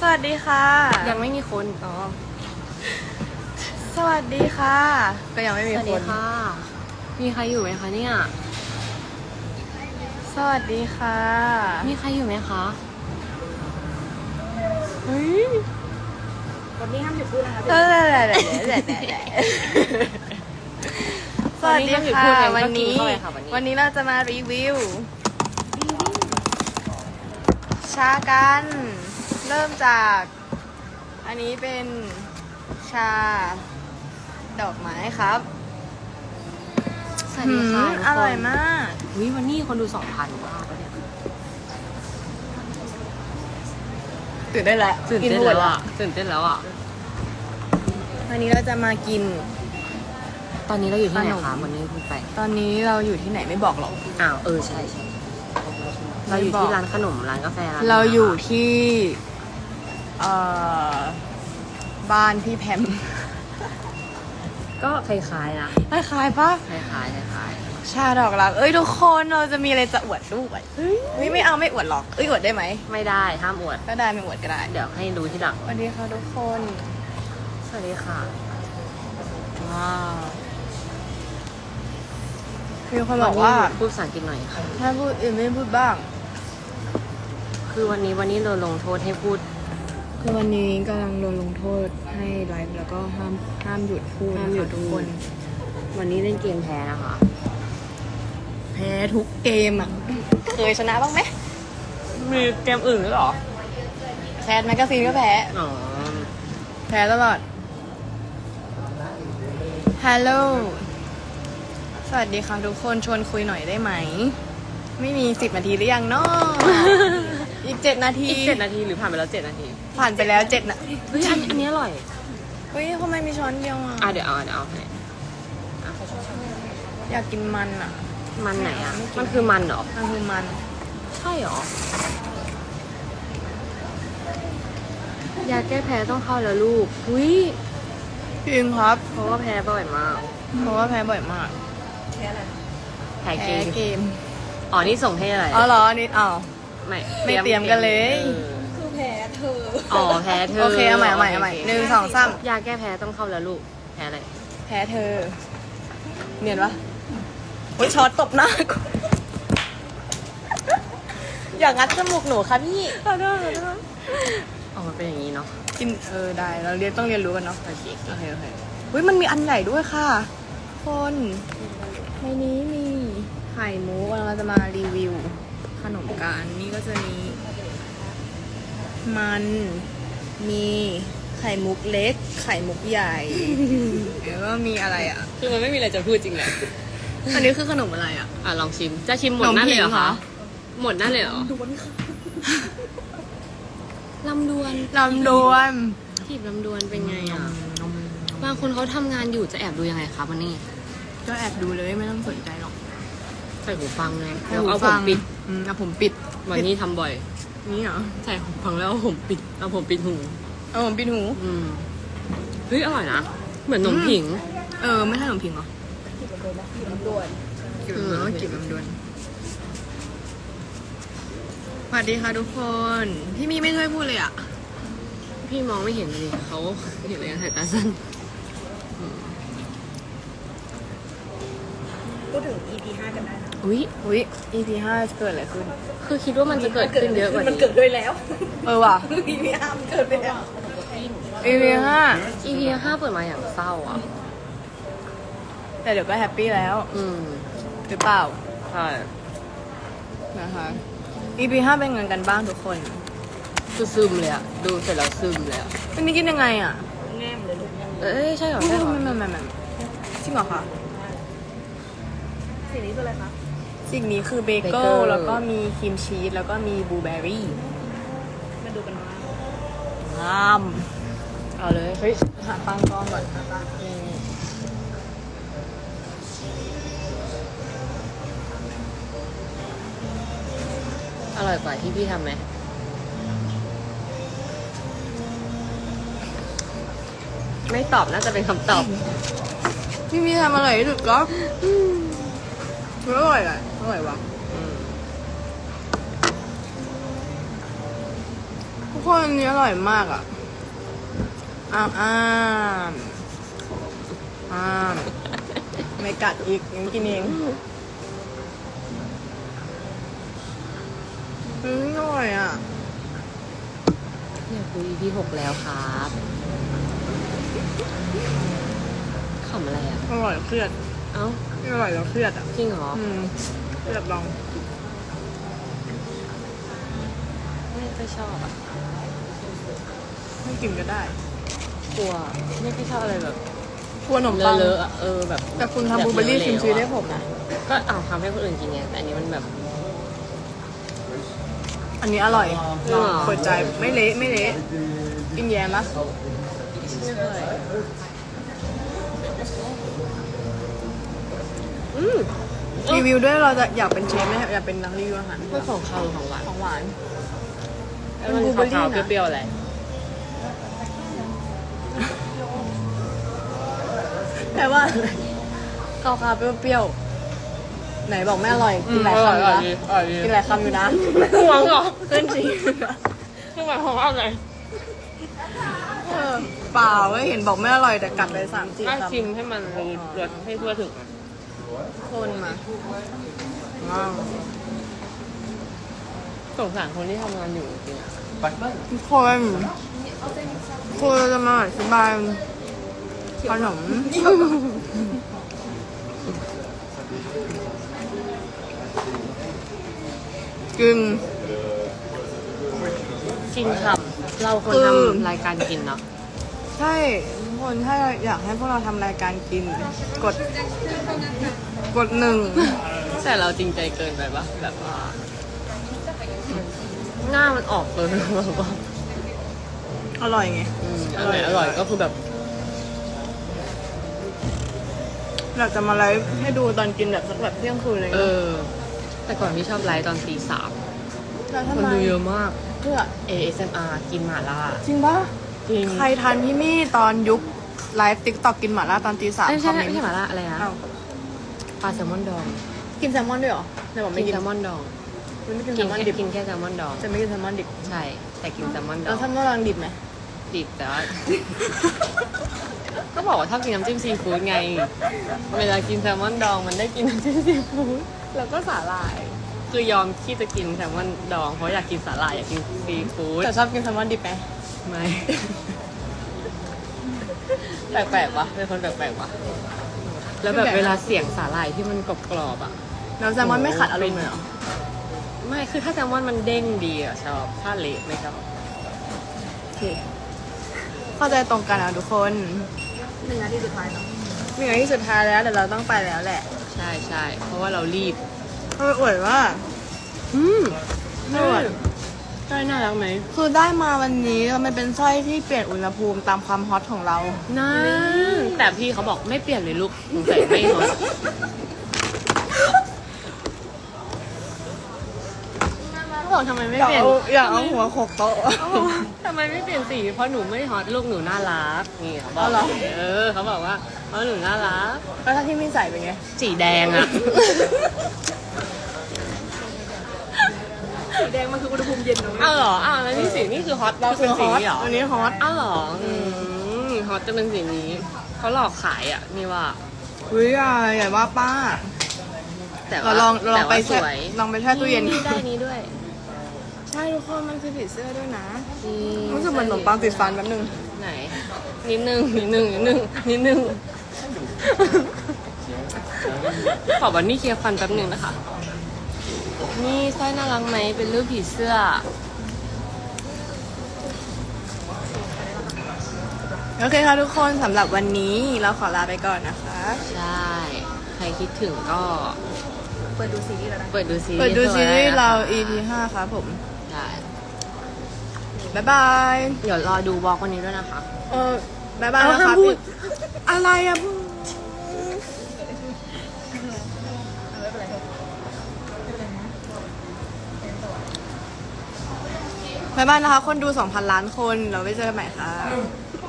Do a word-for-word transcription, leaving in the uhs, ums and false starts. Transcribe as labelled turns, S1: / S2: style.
S1: สวัสดีค่ะ
S2: ยังไม่มีคนอ๋อ
S1: สวัสดีค่ะก็ยังไม่มีคนสวัสดี
S2: ค่ะมีใครอยู่ไหมคะเนี่ย
S1: สวัสดีค่ะ
S2: มีใครอยู่ไหมคะ
S1: เฮ้ย
S3: วันนี้ห้ามหยุดพูดนะคะ
S1: เออเดี๋ยวเดี๋ยวเดี๋ยวเดี๋ยวสวัสดีค่ะวันนี้วันนี้เราจะมารีวิวชากันเริ่มจากอันนี้เป็นชาดอกไม้ครับ
S2: สวัสดีค่ะ
S1: อร่อยมาก
S2: วิวันนี้คนดูสองพันว้าวเนี่ย
S1: ตื่นได้แล้ว
S2: ตื่นเต้นแล้วอ่ะตื่นเต้นแล้วอ่ะ
S1: วันนี้เราจะมากิน
S2: ตอนนี้เราอยู่ที่ไหนคะวันนี้พูดไป
S1: ตอนนี้เราอยู่ที่ไหนไม่บอกหรอก
S2: อ้าวเออใช่ใช่เราอยู่ที่ร้านขนมร้านกาแฟร้าน
S1: เราอยู่ที่เอ่อบ้านพี่แพม
S2: ก็คล้ายๆนะ
S1: คล้ายๆปะ
S2: คล้ายๆคล้าย
S1: ๆชาดอกรักเอ้ยทุกคนเราจะมีอะไรจะอวดด้วยเฮ้ยไม่เอาไม่อวดหรอกเอ้ยอวดได้ไหม
S2: ไม่ได้ห้ามอวด
S1: ก็ได้ไม่อวดก็ได้
S2: เดี๋ยวให้ดูที่หลัง
S1: สวัสดีค่ะทุกคน
S2: สวัสดีค่ะ
S1: ว้าวมีคนบอกว่า
S2: พูดภาษาอังกฤษหน่อยค่ะ
S1: ถ้าพูดอื่นไม่พูดบ้าง
S2: คือวันนี้วันนี้เราลงโทษให้พูด
S1: คือวันนี้กำลังโดนลงโทษให้ไลฟ์แล้วก็ห้ามห้ามหยุดพูด
S2: ห้ามหยุด
S1: ทุกคน
S2: วันนี้เล่นเกมแพ้นะคะ
S1: แพ้ทุกเกมอ่ะเคยชนะบ้างไหม
S2: มีเกมอื่นหรือหรอ
S1: แคสแมกกาซีนก็แพ้
S2: อ๋อ
S1: แพ้ตลอดฮัลโหลสวัสดีค่ะทุกคนชวนคุยหน่อยได้ไหมไม่มีสิบนาทีหรือยังเนาะอีกเจ็ดนาที
S2: อีกเจ็ดนาทีหรือผ่านไปแล้วเจ็ดนาที
S1: ผ่านไปแล้วเจ็ดนะ
S2: เฮ้ยอันอันนี้อร่อย
S1: เฮ้ยทำไมมีช้อนเดียวอ่ะ
S2: อ่ะเดี๋ยวเอาเดี๋ยวเอาให้
S1: อยากกินมันอ่ะ
S2: มันไหนอ่ะมันคือมันเหรอ
S1: มันคือมัน
S2: ใช่เหรอยาแก้แพ้ต้องเข้าแล้วลูกอุ้ย
S1: จริงครับ
S2: เพราะว่าแพ้บ่อยมาก
S1: เพราะว่าแพ้บ่อยมาก
S3: แพ้อะไร
S2: แพ้
S1: เกม
S2: อ๋อนี่ส่งให้อะไร
S1: อ๋อเหรอนี่อ้าว
S2: ไม่
S1: ไม่เตรียมกันเลย
S3: คือแพ้เธอ
S2: อ๋อแพ้เธอ
S1: โอเคเอาใหม่เอาใหม่เอาใหม่หนึ่งสองสาม
S2: ยาแก้แพ้ต้องเข้าแล้วลูกแพ้อะไร
S1: แพ้เธอเนียนปะโอ้ยช็อตตบหน้าอย่างงัดจมูกหนูค่ะพี่
S2: ขอโทษขอโทษอ๋อมันเป็นอย่างนี้เนาะ
S1: กินเออได้เราเรียนต้องเรียนรู้กันเนาะโอเคโอเคโอเคเฮ้ยมันมีอันใหญ่ด้วยค่ะคนในนี้มีไข่มุกเราจะมารีวิวขนมกันนี่ก็จะมีมันมีไข่มุกเล็กไข่มุกใหญ่แล้วก็มีอะไรอ่ะ
S2: คือมันไม่มีอะไรจะพูดจริงแหละ
S1: อันนี้คือขนมอะไรอ่ะ
S2: อ่ะลองชิมจะชิมหมดนั่นเลยเหรอคะหมดนั่นเลยเหรอ
S3: ดวนค่ะ
S2: ลำดวน
S1: ลำดวน
S2: จีบลำดวนเป็นไงอ่ะบางคนเขาทำงานอยู่จะแอบดูยังไงคะวันนี้
S1: ก็แอบดูเลยไม่ต้องสนใจหรอก
S2: ใส่หูฟังเลยแล้วเอาผมปิด
S1: อืมเอาผมปิด
S2: วันนี้ทำบ่อย
S1: นี่เหรอ
S2: ใส่หูฟังแล้วเอาผมปิดเอาผมปิดหู
S1: เอาผมปิดหู
S2: อืมเฮ้ยอร่อยนะเหมือนขนมผิง
S1: เออไม่ใช่ขนมผิงเหรอ
S3: กินลำดวนกินลำดวน
S1: เออกินลำดวนสวัสดีค่ะทุกคนพี่มีไม่เคยพูดเลยอ่ะ
S2: พี่มองไม่เห็นเลยเขาเห็นเลยสายตาสั้น
S3: พูดถึง อี พี ห้ากันได้นะ
S2: อุ้ย
S1: อุ้ย อี พี ห้าเกิดอะไรขึ้น
S2: คือคิดว่ามันจะเกิดขึ้นเยอะกว่านี้
S3: มันเกิดด้วยแล้ว
S1: เออว่ะ
S3: อี พี ห้ามันเกิดไปแล้ว
S1: อี พี ห้า
S2: อี พี ห้าเปิดมาอย่างเศร้าอ่ะ
S1: แต่เดี๋ยวก็แฮปปี้แล้ว
S2: อืม
S1: หรือเปล่า
S2: ใช่
S1: นะคะ อี พี ห้าเป็นไงกันบ้างทุกคน
S2: คือซึมเลยอ่ะดูเสร็จแล้วซึมเลยอ่ะ
S1: อันนี้กินยังไงอ่ะ
S3: แง่มเลยลูก
S2: เอ้ยใช่เหรอใช่เหรอ
S1: ไม่ไม่ไม่ไม่จริงเหรอคะ
S3: สิ่งนี้คืออะไรคะ
S1: สิ่งนี้คือเบเกิลแล้วก็มีครีมชีสแล้วก็มีบลูเบอร์รี่
S3: มาดูกันว่าง
S1: าม
S2: เอาเลย
S1: เฮ้ยหาปังก้อนก่อนหาปัง
S2: อร่อยกว่าที่พี่ทำไหมไม่ตอบน่าจะเป็นคำตอบ
S1: พี่มีทำอร่อยที่สุดก็อร่อยอ่ะอร่อยว่ะคนอันนี้อร่อยมากอ่ะ อ้ามอ้ามอ้ามไม่กัดอีกยังกินเองอืมอร่อยอ่ะ
S2: เนี่ยคุย อี พี หกแล้วครับขำอะไรอ่ะ
S1: อร่อยเครียด
S2: เอ้า
S1: ไม่อร่อยแล้วเครียดอ่ะ
S2: จริงเหรอ
S1: อืมเครียดลอง
S2: ไม่ค่อยชอบอ่ะ
S1: ไม่กินก็ได้
S2: กลัวไม่ค่อยชอบอะไรแบบ
S1: กลัวขนมปัง
S2: เลอะๆอะเออแบบ
S1: แต่คุณทำบลูเบอร์รี่ครีมชีสให้ผมนะ
S2: ก็เอาทำให้คนอื่นกินไงแต่อันนี้มันแบบ
S1: อันนี้อร่อย
S2: หรอ
S1: เปิดใจไม่เละไม่เละกินแยมปะ
S2: ไม่ค่อยอืม
S1: รีวิวด้วยเราจะอยากเป็นเชฟไหมอยากเป็นนักรีวิวอาหาร
S2: ไม่ของเขาหรือของหวาน
S1: ของหวาน
S2: แล้วมันขาวๆเปรี้ยวๆอะไร
S1: แต่ว่าอะไรข้าวๆเปรี้ยวๆไหนบอกไม่อร่อยกินหลายคำอยู่นะกินหลายคำอยู่นะ
S2: ห่วงเหรอ
S1: ขึ้นจริง
S2: คือหมายความว่าอะไร
S1: เออเปล่าไม่เห็นบอกไม่อร่อยแต่กัดไปสามสี่
S2: ถ้า
S1: คำ
S2: ชิมให้มันรู้รสให้ทั่วถึงอะ
S1: คนมาว้าว
S2: สงสารคนที่ทำงานอยู่จริงๆอะ
S1: ทุกคนคือจะมาอธิบายขนมกิน
S2: กินฉ่ำเราคน
S1: คือ
S2: ทำรายการกินเนาะ
S1: ใช่ทุกคนถ้าอยากให้พวกเราทำรายการกิน กด กดหนึ่ง
S2: แต่เราจริงใจเกินไปปะแบบว่าหน้ามันออกเลยแบบว่า
S1: อร่อยไง
S2: อืมอร่อยอร่อยก็คือแบบ
S1: อยากจะมาไลฟ์ให้ดูตอนกินแบบสักแบบเที่ยงคืนอะไร
S2: เอ
S1: เงี้ย
S2: อ แต่ก่อนพี่ชอบไลฟ์ตอนตีสาม
S1: แล้ว
S2: ค
S1: ทำ
S2: น
S1: ไม
S2: ดูเยอะมาก
S1: เพื่อ
S2: เอ เอส เอ็ม อาร์ กินหม่าล่า
S1: จริงปะ
S2: จริง
S1: ใครทันพี่มี่ตอนยุคไลฟ์ติ๊กต็อกกินหม่าล่าตอนตีสาม
S2: ไม่
S1: ค
S2: ใช่
S1: อมเมน
S2: ไม่
S1: ต์
S2: ใช่หม่าล่าอะไรนะ
S1: อ้าว
S2: ปลาแซลมอนดอง
S1: กินแซลมอนด้วยเหรอแต่ผมไม่
S2: กิน
S1: กิน
S2: แซลมอนดอง
S1: มันไม่กินแซ
S2: กิน
S1: ลมอน
S2: แค่
S1: ดิบ
S2: กินแค่แซลมอนดอง
S1: จะไม่กินแซลมอนดิบ
S2: ใช่ แต่กินแซลมอนด
S1: แล้
S2: อ
S1: ว
S2: ง
S1: แซลมอนรังดิบไหม
S2: ดิบแต่ว่า ก็บอกว่าชอบกินน้ำจิ้มซีฟู้ดไง เวลากินแซลมอนดองมันได้กินน้ำจิ้มซีฟู้ดแล้วก็สาหร่าย คือยอมที่จะกินแซลมอนดองเพราะอยากกินสาหร่ายอยากกินซีฟู้ด
S1: แต่ชอบกินแซลมอนดิบไหม
S2: ไม่ แปลกๆวะเป็นคนแปลกๆวะแล้วแบบเวลาเสียงสาหร่ายที่มันกรอบๆอ่ะ
S1: แล้วแซลมอนไม่ขัดอารมณ์เลยเหรอ
S2: ไม่คือถ้าแซลมอนมันเด้งดีอ่ะชอบถ้าเละไม่ชอบ
S1: โอเคเข้าใจตรงกันอ่ะทุกคน
S3: หนึ่งนาทีสุดท้ายเนาะ
S1: มีอะไรที่สุดท้ายแล้วแต่เราต้องไปแล้วแหละ
S2: ใช่ใช่เพราะว่าเรารีบ
S1: เอออวยว่า
S2: อืม
S1: ไม่อวด
S2: ใช่น่ารักไหม
S1: คือได้มาวันนี้มันเป็นสร้อยที่เปลี่ยนอุณหภูมิตามความฮอตของเรา
S2: น่าแต่พี่เขาบอกไม่เปลี่ยนเลยลูกสงสัยไม่ฮอตเขาบอกทำไมไม่
S1: อยาก
S2: เปลี่ยน
S1: เอาอยากเอาหัวโขกโต๊ะ
S2: ทำไมไม่เปลี่ยนสีเพราะหนูไม่ฮอตลูกหนูน่ารักนี่เขาบอก
S1: เอาเหรอ
S2: เออเขาบอกว่าเพราะหนูน่ารัก
S1: แล้วถ้าที่ไม่ใส่เป็นไง
S2: สีแดงอะ
S3: สีแดงมันคืออุณหภูมิเย็นเนอะ
S2: อ้าวเหรออ้าวแล้วนี่สีนี่คือฮอต
S1: เรา
S2: คือ
S1: คื
S2: เป็
S1: อน ฮ
S2: สี
S1: อต
S2: นี้เหรอ
S1: วันนี้ฮอต
S2: อ้าวเหรออืมฮอตจะเป็นสีนี้เขาหลอกขายอ่ะนี่ว่า
S1: เฮ้ยอะไรอย่าว่าป้า
S2: แต่
S1: เรา
S2: ว่า
S1: ลองเราลองไป
S2: แต่ว่าส
S1: แช่
S2: วย
S1: ลองไปแช่ตู้เย็น
S2: ได้นี้ด้วย
S1: ใช่ทุกคนมันคือผีเสื้อด้วยนะ
S2: อื
S1: รู้สึกเหมือนขนมปังติดฟันแป๊บนึง
S2: ไหนนิดนึงนิดนึงนิดนึงนิดนึงขอบันนี่เคลียร์ฟันแป๊บนึงนะคะ นี่สร้อยน่ารักไหมเป็นรูปผีเสื้อ
S1: โอเคค่ะทุกคนสำหรับวันนี้เราขอลาไปก่อนนะคะ
S2: ใช่ ใครคิดถึงก็
S3: เปิดดูซีรีส์แล้วนะ
S2: เปิดดูซีรีส์
S1: เปิดดูซีรีส์เรา
S2: อี
S1: อี พี ห้าครับผม
S2: ใช่
S1: บ๊ายบาย
S2: เดี๋ยวรอดูบล็อกวันนี้ด้วยนะคะ
S1: เออบ๊ายบาย
S2: เอา
S1: นะ
S2: ห้า
S1: ค
S2: ม
S1: รับ
S2: พูด
S1: อะไรอะพูดบ๊ายบายนะคะ คนดู สองพัน ล้านคน เราไว้เจอกันใหม่ค่ะ